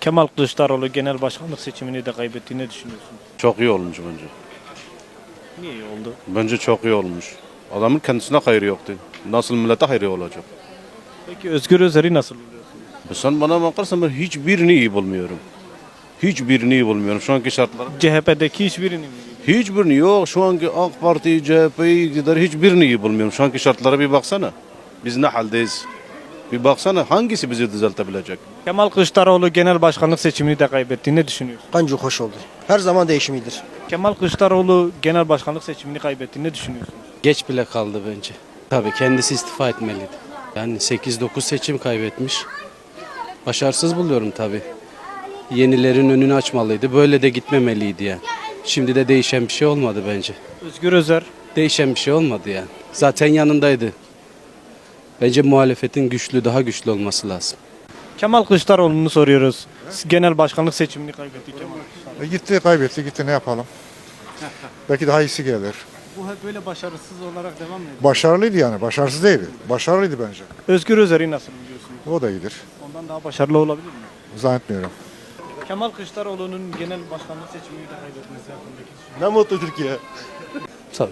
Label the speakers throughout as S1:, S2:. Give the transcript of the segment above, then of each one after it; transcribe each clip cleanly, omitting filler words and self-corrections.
S1: Kemal Kılıçdaroğlu genel başkanlık seçimini de kaybetti. Ne düşünüyorsun?
S2: Çok iyi olmuş bence.
S1: Niye iyi oldu?
S2: Bence çok iyi olmuş. Adamın kendisine hayrı yoktu. Nasıl millete hayrı olacak?
S1: Peki Özgür Özel'i nasıl buluyorsun?
S2: Sen bana bakarsan ben hiçbirini iyi bulmuyorum. Hiçbirini iyi bulmuyorum şu anki şartlarda.
S1: CHP'deki hiçbirini mi?
S2: Hiçbirini yok. Şu anki AK Parti, CHP'yi, iktidarı hiçbirini iyi bulmuyorum. Şu anki şartlara bir baksana. Biz ne haldeyiz? Bir baksana hangisi bizi düzeltebilecek?
S1: Kemal Kılıçdaroğlu genel başkanlık seçimini de kaybetti. Ne düşünüyorsun?
S3: Bence hoş oldu. Her zaman değişim iyidir.
S1: Kemal Kılıçdaroğlu genel başkanlık seçimini kaybetti. Ne düşünüyorsun?
S4: Geç bile kaldı bence. Tabii kendisi istifa etmeliydi. Yani 8-9 seçim kaybetmiş. Başarısız buluyorum tabii. Yenilerin önünü açmalıydı. Böyle de gitmemeliydi yani. Şimdi de değişen bir şey olmadı bence.
S1: Özgür Özel.
S4: Değişen bir şey olmadı yani. Zaten yanındaydı. Bence muhalefetin daha güçlü olması lazım.
S1: Kemal Kılıçdaroğlu'nu soruyoruz. Genel başkanlık seçimini kaybetti Kemal Kılıçdaroğlu.
S5: Gitti kaybetti gitti ne yapalım. Belki daha iyisi gelir.
S1: Bu hep böyle başarısız olarak devam ediyor.
S5: Başarılıydı yani başarısız değildi. Başarılıydı bence.
S1: Özgür Özel'i nasıl buluyorsun?
S5: O da iyidir.
S1: Ondan daha başarılı olabilir mi?
S5: Zannetmiyorum.
S1: Kemal Kılıçdaroğlu'nun genel başkanlık seçimini de kaybetmesi hakkındaki
S5: Ne mutlu Türkiye.
S6: Tabii.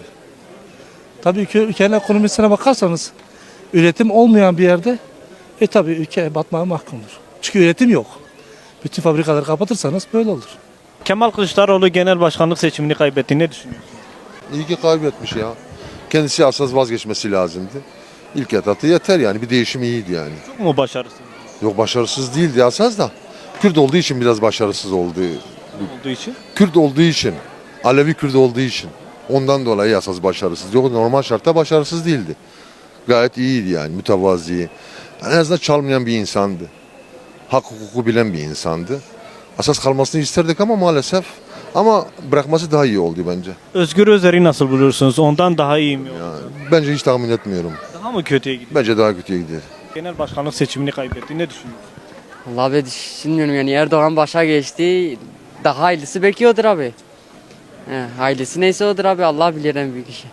S6: Tabii ki ülkenin ekonomisine bakarsanız üretim olmayan bir yerde tabii ülke batmaya mahkumdur. Çünkü üretim yok. Bütün fabrikaları kapatırsanız böyle olur.
S1: Kemal Kılıçdaroğlu genel başkanlık seçimini kaybetti. Ne düşünüyorsun?
S7: İyi ki kaybetmiş ya. Kendisi asla vazgeçmesi lazımdı. İlk etapta yeter yani bir değişim iyiydi yani.
S1: Çok mu başarısız
S7: Yok başarısız değildi asas da. Kürt olduğu için biraz başarısız oldu.
S1: olduğu için?
S7: Kürt olduğu için, Alevi Kürt olduğu için. Ondan dolayı asas başarısız. Yok normal şartta başarısız değildi. Gayet iyiydi yani mütevazi. En azından çalmayan bir insandı. Hak hukuku bilen bir insandı. Asas kalmasını isterdik ama maalesef. Ama bırakması daha iyi oldu bence.
S1: Özgür Özel'i nasıl buluyorsunuz? Ondan daha iyi mi oldu?
S7: Yani bence hiç tahmin etmiyorum.
S1: Daha mı kötüye gidiyor?
S7: Bence daha kötüye gidiyor.
S1: Genel başkanlık seçimini kaybetti. Ne düşünüyorsun?
S8: Vallahi ben düşünmüyorum yani Erdoğan başa geçti. Daha hayırlısı belki odur abi. Hayırlısı neyse odur abi Allah bilir en büyük işi.